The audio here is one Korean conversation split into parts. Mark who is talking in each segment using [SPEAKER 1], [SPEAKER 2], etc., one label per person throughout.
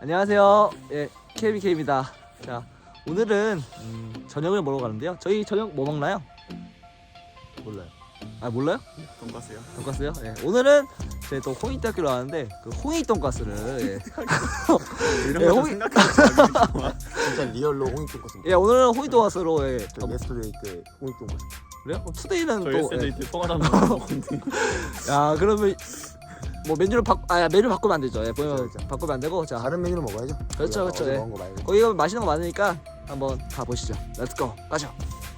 [SPEAKER 1] 안녕하세요. 예, KBK입니다. 자, 오늘은 저녁을 먹으러 가는데요. 저희 저녁 뭐 먹나요?
[SPEAKER 2] 몰라요.
[SPEAKER 1] 아, 몰라요?
[SPEAKER 2] 돈가스요?
[SPEAKER 1] 돈가스요? 예. 오늘은 저희 또 홍익대학교로 왔는데 그 홍익 돈가스를
[SPEAKER 2] 이런
[SPEAKER 1] 예,
[SPEAKER 2] 거좀
[SPEAKER 1] 홍이-
[SPEAKER 2] 생각해보자.
[SPEAKER 3] 진짜 리얼로 홍익돈가스.
[SPEAKER 1] 예, 오늘은 홍익 돈가스로 예.
[SPEAKER 3] 저 예스터데이 때 홍익돈가스.
[SPEAKER 1] 그래요? 그럼 투데이는
[SPEAKER 2] 저
[SPEAKER 1] 또
[SPEAKER 2] SJ 때 통화하는
[SPEAKER 1] 야, 그러면 뭐 메뉴를 메뉴 바꾸면 안 되죠. 예, 보면
[SPEAKER 3] 그쵸.
[SPEAKER 1] 바꾸면 안 되고 자,
[SPEAKER 3] 다른 메뉴를 먹어야죠.
[SPEAKER 1] 그렇죠, 그렇죠,
[SPEAKER 3] 어제
[SPEAKER 1] 예.
[SPEAKER 3] 먹은 거 말고.
[SPEAKER 1] 거기 가면 맛있는 거 많으니까 한번 가 보시죠. 렛츠고. 가죠.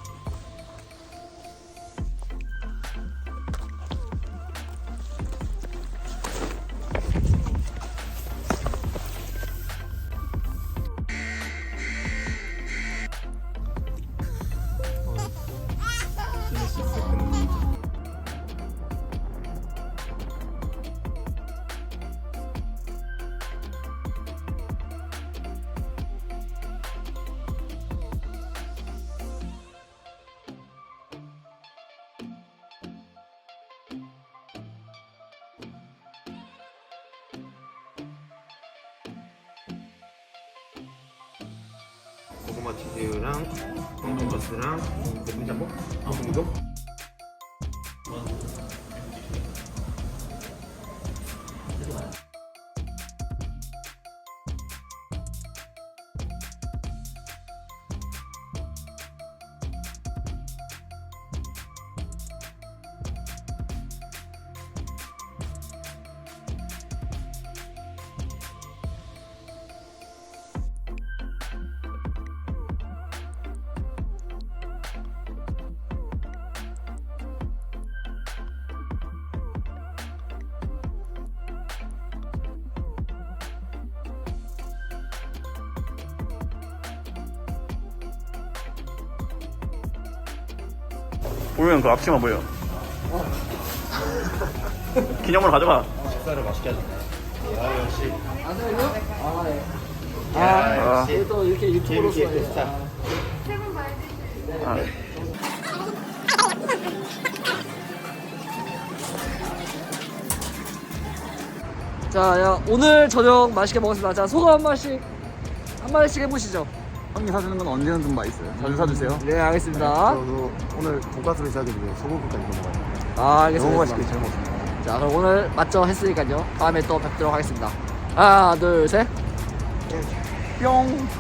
[SPEAKER 3] 고구마 치즈랑 홍돈가스랑 볶음짬뽕? 볶음동?
[SPEAKER 2] 보면 그 앞치마 뭐예요? 기념으로 가져가.
[SPEAKER 3] 식사를 맛있게 하셨나요? 아 역시.
[SPEAKER 1] 아,
[SPEAKER 2] 역시.
[SPEAKER 1] 또 이렇게 유튜브로서
[SPEAKER 3] KBK 스타.
[SPEAKER 2] 아.
[SPEAKER 1] 자, 야, 오늘 저녁 맛있게 먹었습니다. 자, 소감 한 마디씩 해보시죠.
[SPEAKER 2] 형님 사주는 건 언제나 좀 맛있어요. 자주 사주세요.
[SPEAKER 1] 네, 알겠습니다.
[SPEAKER 3] 저도 오늘 돈가스를 사기 위해 소고기까지 먹어요.
[SPEAKER 1] 아, 알겠습니다.
[SPEAKER 3] 너무 맛있게 잘 먹었습니다.
[SPEAKER 1] 자, 그럼 오늘 맞죠 했으니까요. 다음에 또 뵙도록 하겠습니다. 하나, 둘, 셋.
[SPEAKER 2] 뿅.